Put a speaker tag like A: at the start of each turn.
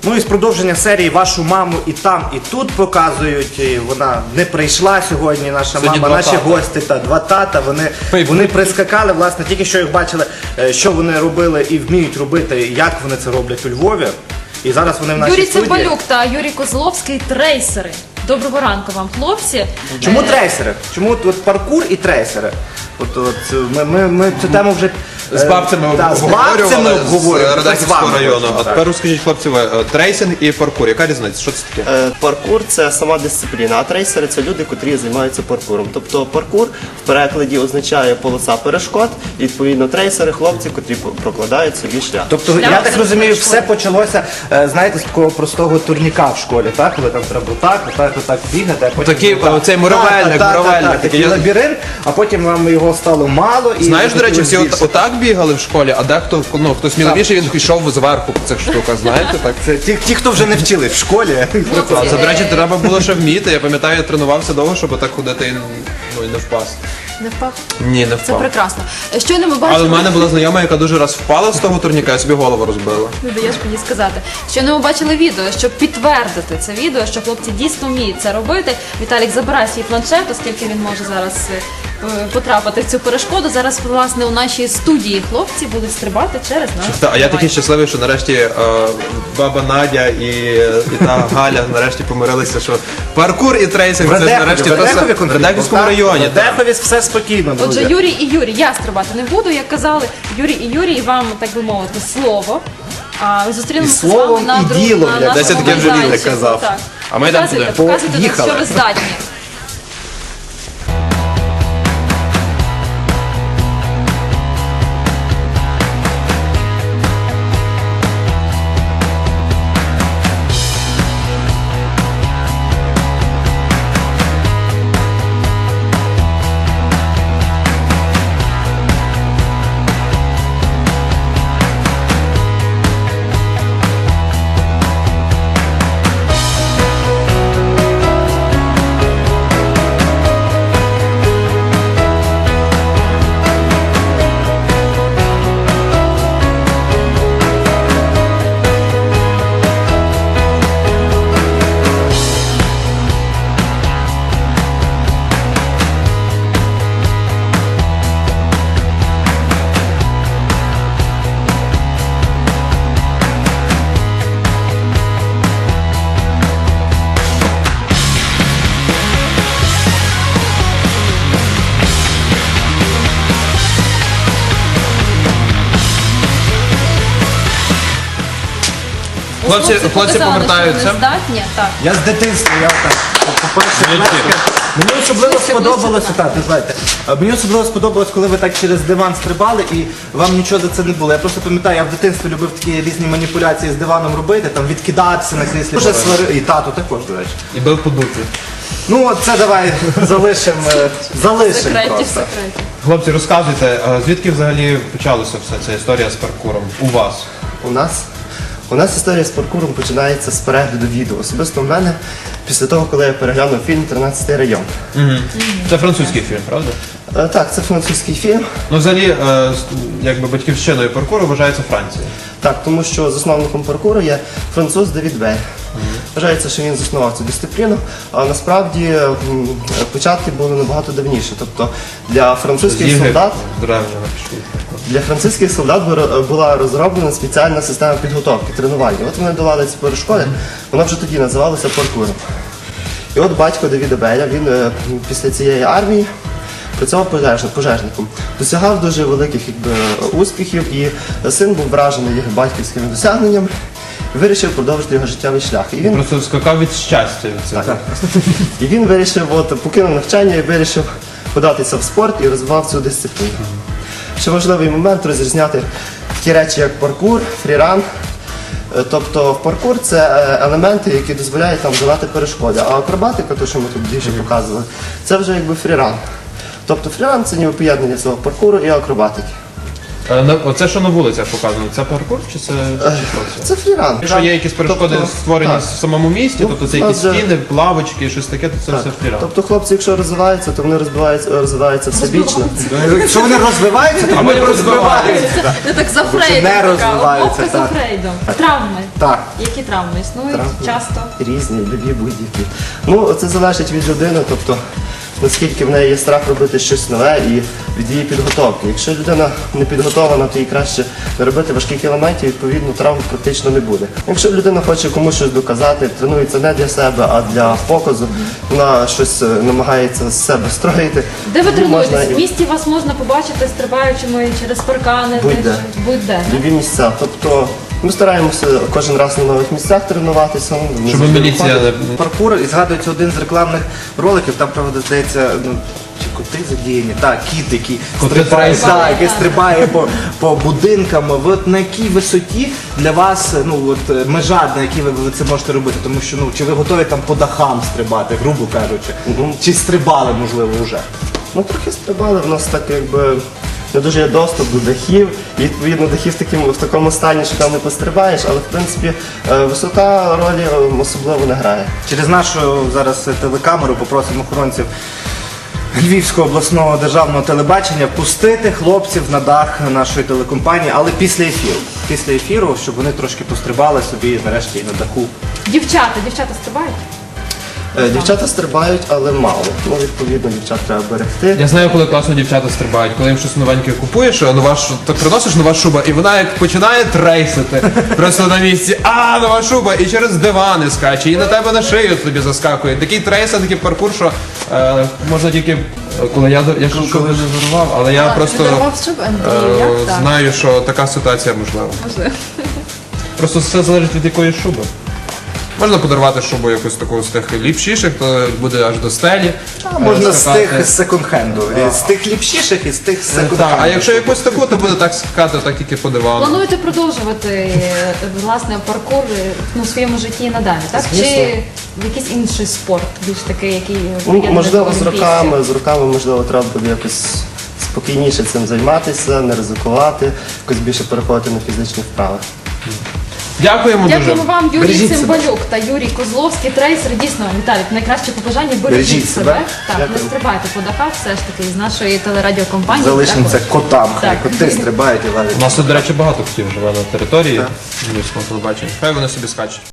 A: Ну і з продовження серії вашу маму і там, і тут показують. І вона не прийшла сьогодні, наша
B: Сьогодні
A: мама,
B: два
A: наші
B: тата.
A: гості, два тата. Вони прискакали, власне, тільки що їх бачили, що вони робили і вміють робити, як вони це роблять у Львові. І зараз вони в нашій
C: Юрій
A: студії.
C: Цимбалюк та Юрій Козловський – трейсери. Доброго ранку вам, хлопці.
A: Чому трейсери? Чому от паркур і трейсери? Ми цю тему вже
B: З бабцями
A: обговорювали.
B: з Радехівського району. А тепер розкажіть, хлопці, ви, трейсинг і паркур, яка різниця? Що це таке?
D: Паркур – це сама дисципліна, а трейсери – це люди, котрі займаються паркуром. Тобто паркур в перекладі означає полоса перешкод, і відповідно трейсери – хлопці, котрі прокладають собі шлях.
A: Тобто, я так розумію, все почалося, знаєте, з такого простого турніка в школі, так? Коли там треба отак бігати, а потім...
B: Такий, цей муравельник,
A: такий лабіринт, а потім вам його стало мало. І
B: Знаєш, до речі, всі
A: більше.
B: отак бігали в школі, а дехто, хто сміливіший, він йшов зверху по цих штуках, знаєте, так?
A: Це ті, хто вже не вчили в школі.
B: А це, до речі, треба було ще вміти. Я пам'ятаю, я тренувався довго, щоб так ходити і не впасти.
C: Не впав?
B: Ні, не
C: Це
B: впав.
C: прекрасно. Щойно ми
B: Але
C: бачили...
B: в мене була знайома, яка дуже раз впала з того турніка, я собі голову розбила.
C: Не даєш мені сказати. Щойно ми бачили відео, щоб підтвердити це відео, що хлопці дійсно вміють це робити. Віталік забирає свій планшет, оскільки він може зараз потрапити в цю перешкоду. Зараз, власне, у нашій студії хлопці будуть стрибати через нас.
B: А я такий щасливий, що нарешті баба Надя і та Галя нарешті помирилися, що паркур і трейсинг це нарешті
A: В
B: Радехівському районі.
A: В Радехові все спокійно, друзі.
C: Отже, Юрій і Юрій, я стрибати не буду, як казали. Юрій і Юрій, вам, так би мовити, слово. А ви зустрінемося
A: І
C: з вами
A: словом,
C: на
A: і ділом, як
B: десь я таке вже
C: майданчику.
B: Лілик казав.
C: Так.
B: А ми йдемо
C: Показуйте,
B: туди.
C: показуйте, на
A: Поїхали.
C: що ви здатні.
B: Хлопці
C: показали, що
B: повертаються.
C: вони здатні. Так.
A: Я з дитинства, я так, по-перше, мені особливо сподобалося, так, ви знаєте, мені особливо сподобалось, коли ви так через диван стрибали і вам нічого за це не було. Я просто пам'ятаю, я в дитинстві любив такі різні маніпуляції з диваном робити, там відкидатися на кріслі. Дуже свари... І тато також, до речі.
B: І бив по дупі.
A: Ну, от це давай залишимо
C: Секреті,
A: просто.
C: секреті.
B: Хлопці, розказуйте, звідки взагалі почалася вся ця історія з паркуром? У вас?
D: У нас історія з паркуром починається з перегляду відео. Особисто в мене після того, коли я переглянув фільм «13-й район».
B: Це французький фільм, правда?
D: Так, це французький фільм.
B: Ну, взагалі, якби батьківщиною паркуру вважається Франція.
D: Так, тому що засновником паркуру є француз Давід Бель. Вважається, що він заснував цю дисципліну, а насправді початки були набагато давніше. Тобто для французьких солдат Для французьких солдат була розроблена спеціальна система підготовки, тренування. От вони долали ці перешкоди, вона вже тоді називалася паркуром. І от батько Давіда Беля, він після цієї армії працював пожежником, досягав дуже великих успіхів, і син був вражений його батьківськими досягненнями і вирішив продовжити його життєвий шлях. І він
B: просто скакав від щастя від цього.
D: І він вирішив, покинув навчання і вирішив податися в спорт і розвивав цю дисципліну. Ще важливий момент розрізняти такі речі, як паркур, фріран. Тобто паркур – це елементи, які дозволяють там долати перешкоди. А акробатика, то, що ми тут більше показували, це вже якби фріран. Тобто фріран – це ніби поєднання цього паркуру і акробатики.
B: Оце що на вулицях показано, це паркур чи це що?
D: Це фріран.
B: Якщо є якісь перешкоди
D: Тобто,
B: створені
D: так.
B: в самому місті, тобто це
D: у
B: якісь
D: нас же-
B: стіни, лавочки, щось таке, то це все фліран.
D: Тобто хлопці, якщо розвиваються, то вони розвиваються всебічно.
A: Якщо вони розвиваються, то вони розвиваються.
C: Це так за Фрейдом.
A: не
C: така
A: розвиваються,
C: обмовка за
A: так.
C: Фрейдом. Травми.
A: Так.
C: Які травми існують
D: Травми.
C: часто?
D: Різні, любі, будь-які. Ну, це залежить від людини, тобто наскільки в неї є страх робити щось нове і від її підготовки. Якщо людина не підготована, то їй краще не робити важких елементів, відповідно, травм практично не буде. Якщо людина хоче комусь щось доказати, тренується не для себе, а для показу, вона щось намагається з себе строїти.
C: Де ви
D: тоді можна
C: тренуєтесь? В
D: і
C: місті вас можна побачити стрибаючими через паркани,
D: Будь-де.
C: десь, будь-де. да?
D: любі місця. Тобто ми стараємося кожен раз на нових місцях тренуватися. не
B: Щоб
D: завжди
B: міліція
D: виходить.
B: не...
A: Паркур, і згадується один з рекламних роликів, там, правда, здається, ну, чи коти задіяні, так, кіт, який
B: Коти
A: стрибає,
B: трейсер.
A: так, який стрибає по будинкам. Ви от на якій висоті для вас, ну, от, межа, на якій ви це можете робити? Тому що, ну, чи ви готові там по дахам стрибати, грубо кажучи, чи стрибали, можливо, вже?
D: Ну, трохи стрибали, в нас так якби не дуже є доступ до дахів, і відповідно дахів в такому стані, що там не пострибаєш, але в принципі висота ролі особливо не грає.
A: Через нашу зараз телекамеру попросимо охоронців Львівського обласного державного телебачення пустити хлопців на дах нашої телекомпанії, але після ефіру. Після ефіру, щоб вони трошки пострибали собі нарешті і на даху.
C: Дівчата стрибають?
D: Дівчата стрибають, але мало. Ну, відповідно, дівчат треба берегти.
B: Я знаю, коли класно дівчата стрибають, коли їм щось новеньке купуєш, так приносиш нова шуба, і вона як починає трейсити просто на місці, нова шуба, і через дивани скаче, і на тебе на шию тобі заскакує. Такий трейсер, такий паркур, що можна тільки, коли я ж шуби не дарував, але я просто
C: Дарував шубу, Андрію, як так?
B: знаю, що така ситуація можлива.
C: Можливо.
B: Просто все залежить від якої шуби. Можна подарувати шубу якусь таку з тих ліпшіших, то буде аж до стелі.
A: Можна з
B: скакати.
A: тих секонд-хенду, з тих ліпшіших і з тих секонд-хенду.
B: Так, а якщо якусь таку, то буде так скакати, так тільки по дивану.
C: Плануєте продовжувати власне паркур в своєму житті і надалі, так?
D: Звісно.
C: Чи якийсь інший спорт, більш такий, який
D: Ну,
C: приєднаний
D: можливо,
C: до
D: з
C: олімпійців?
D: роками, можливо, треба буде якось спокійніше цим займатися, не ризикувати, якось більше переходити на фізичні вправи.
B: Дякуємо дуже.
C: Дякуємо вам, Юрій
A: Бережіть себе.
C: Цимбалюк та Юрій Козловський, трейсер. Дійсно, Віталік, найкраще побажання, бережіть
A: Бережіть
C: себе.
A: себе.
C: Так, не стрибайте по дахах, все ж таки, з нашої телерадіокомпанії.
A: Залишимо це
C: також.
A: котам, хай
C: Так.
A: коти стрибають і лазять.
B: У нас тут, до речі, багато котів живе на території Львівського телебачення. Хай вони собі скачуть.